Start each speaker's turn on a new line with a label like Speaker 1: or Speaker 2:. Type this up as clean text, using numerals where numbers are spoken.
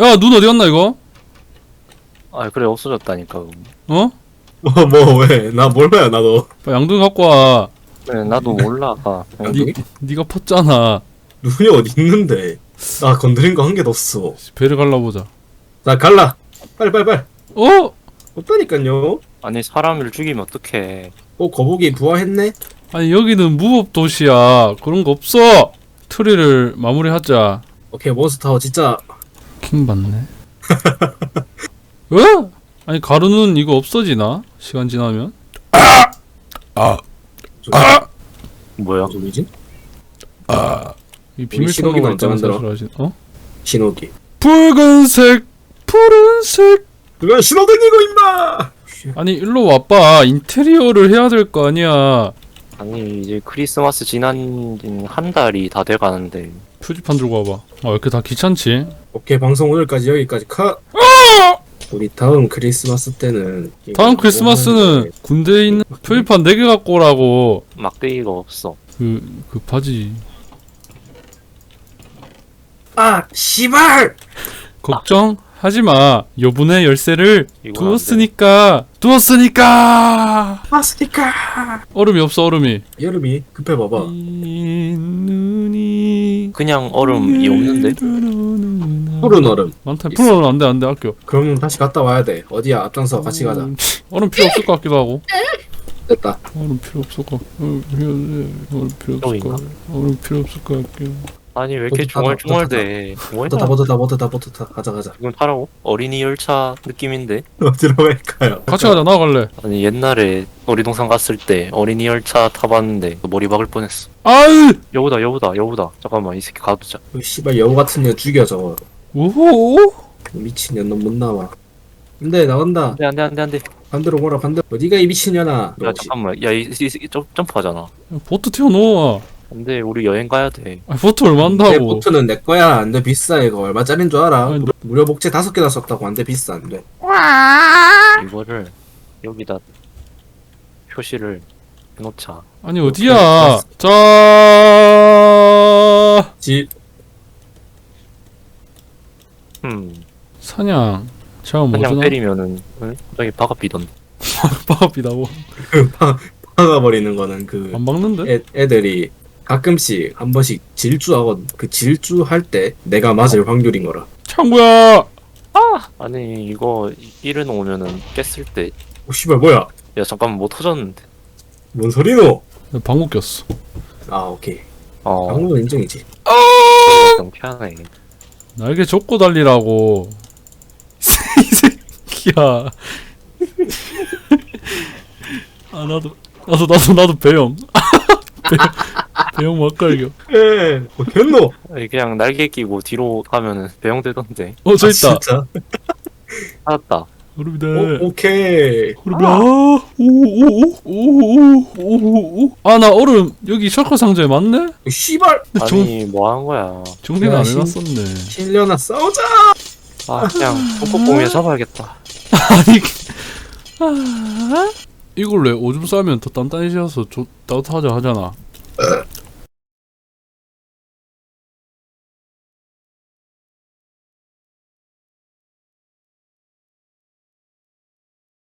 Speaker 1: 야, 눈 어디 갔나 이거?
Speaker 2: 아 그래 없어졌다니까.
Speaker 1: 어?
Speaker 3: 뭐 왜? 나 몰라요 나도.
Speaker 1: 빨리 양동이 갖고 와.
Speaker 2: 그래 나도 몰라.
Speaker 3: 양동이?
Speaker 1: 니가 펐잖아.
Speaker 3: 눈이 어디 있는데? 나 건드린 거 한 개도 없어.
Speaker 1: 배를 갈라보자.
Speaker 3: 나 갈라. 빨리.
Speaker 1: 어?
Speaker 3: 없다니까요.
Speaker 2: 아니 사람을 죽이면 어떡해.
Speaker 3: 거북이 부화했네?
Speaker 1: 아니 여기는 무법 도시야. 그런 거 없어. 트리를 마무리하자.
Speaker 3: 오케이 몬스타워 진짜.
Speaker 1: 킹 받네. 어? 아니 가루는 이거 없어지나? 시간 지나면?
Speaker 2: 뭐야?
Speaker 3: 소리지?
Speaker 1: 이 비밀
Speaker 3: 신호기만
Speaker 1: 통로가 있다는
Speaker 3: 만들어.
Speaker 1: 사실 아시? 어?
Speaker 3: 신호기.
Speaker 1: 붉은색, 푸른색.
Speaker 3: 그건 신호등이고 임마.
Speaker 1: 아니 일로 와봐. 인테리어를 해야 될 거 아니야.
Speaker 2: 아니 이제 크리스마스 지난 한 달이 다 돼가는데.
Speaker 1: 표지판 들고 와봐. 아, 왜 이렇게 다 귀찮지?
Speaker 3: 오케이 방송 오늘까지 여기까지 컷. 우리 다음 크리스마스 때는
Speaker 1: 다음 크리스마스는 군대에 있는 표지판 4개 갖고 오라고.
Speaker 2: 막대기가 없어.
Speaker 1: 그 바지.
Speaker 3: 아 씨발.
Speaker 1: 걱정하지마. 여분의 열쇠를
Speaker 2: 이건 안
Speaker 1: 두었으니까.
Speaker 3: 마스니까.
Speaker 1: 얼음이 없어, 얼음이.
Speaker 3: 여름이 급해 봐봐.
Speaker 1: 이 눈이
Speaker 2: 그냥 얼음이 없는데?
Speaker 3: 푸른 얼음.
Speaker 1: 많다. 푸른 얼음 안돼 아껴.
Speaker 3: 그럼 다시 갔다 와야 돼. 어디야 앞장서 같이 가자.
Speaker 1: 얼음 필요 없을 것 같기도 하고.
Speaker 3: 됐다.
Speaker 1: 얼음 필요 없을 것. 얼음 필요 없을
Speaker 2: 여기인가?
Speaker 1: 것. 얼음 필요 없을 것 같기도.
Speaker 2: 아니 왜 이렇게
Speaker 3: 못
Speaker 2: 중얼중얼대.
Speaker 3: 버터다 버터다 가자.
Speaker 2: 이건 타라고? 어린이 열차 느낌인데?
Speaker 3: 어디로 갈까요?
Speaker 1: 같이 가자. 나갈래.
Speaker 2: 아니 옛날에 놀이동산 갔을 때 어린이 열차 타봤는데 머리 박을 뻔했어.
Speaker 1: 아유.
Speaker 2: 여우다. 잠깐만 이 새끼 가두자.
Speaker 3: 씨발 여우 같은 년 죽여 저거.
Speaker 1: 오호.
Speaker 3: 미친 년 넌 못 나와. 근데 나간다.
Speaker 2: 안돼.
Speaker 3: 반대로 오라 반대로. 어디가 이 미친 년아.
Speaker 2: 야 잠깐만 야이 점프하잖아.
Speaker 1: 보트 태워놓아.
Speaker 2: 근데 우리 여행 가야 돼.
Speaker 1: 아, 보트 얼마
Speaker 3: 내
Speaker 1: 한다고.
Speaker 3: 보트는 내 거야. 안 돼 비싸 이거. 얼마짜린 줄 알아?
Speaker 1: 아니,
Speaker 3: 무료 복제 5개나 썼다고. 안 돼 비싸 안 돼.
Speaker 2: 이거를 여기다 표시를 해놓자.
Speaker 1: 아니 어디야? 자.
Speaker 3: 집.
Speaker 1: 사냥. 제가 뭐
Speaker 2: 그냥
Speaker 1: 주나?
Speaker 2: 때리면은 응? 갑자기 바가 비던데.
Speaker 1: 빠삐다고.
Speaker 3: 박아버리는 거는 그
Speaker 1: 안 막는데?
Speaker 3: 애들이 가끔씩 한 번씩 질주하거든. 그 질주할 때 내가 맞을 확률인 거라.
Speaker 1: 창구야.
Speaker 2: 아니 이거 일해놓으면은 깼을 때.
Speaker 3: 오 씨발 뭐야?
Speaker 2: 야 잠깐만 뭐 터졌는데.
Speaker 3: 뭔 소리노?
Speaker 1: 방구 꼈어.
Speaker 3: 아 오케이.
Speaker 2: 어.
Speaker 3: 방금은 인정이지.
Speaker 2: 좀 피하네.
Speaker 1: 날개 접고 달리라고. 이 새끼야. 아 나도 배영. 배영 막갈겨.
Speaker 3: 뭐 됐노?
Speaker 2: 아니, 그냥 날개 끼고 뒤로 가면은 배영되던데.
Speaker 1: 저 있다.
Speaker 3: 진짜?
Speaker 2: 찾았다.
Speaker 1: 얼음이다.
Speaker 3: 오케이.
Speaker 1: 얼음이야. 오오오오오오오오. 아 나 얼음 여기 셔커 상자에 맞네?
Speaker 3: 씨발.
Speaker 2: 아니 뭐 하는 거야.
Speaker 1: 정리는
Speaker 3: 야,
Speaker 1: 안
Speaker 3: 신-
Speaker 1: 해놨었네.
Speaker 3: 실려나 싸우자.
Speaker 2: 아 그냥 뽕뽕뽕이에 잡아야겠다.
Speaker 1: 아니 이걸 왜 오줌 싸면 더 단단해져서 따뜻하자 하잖아.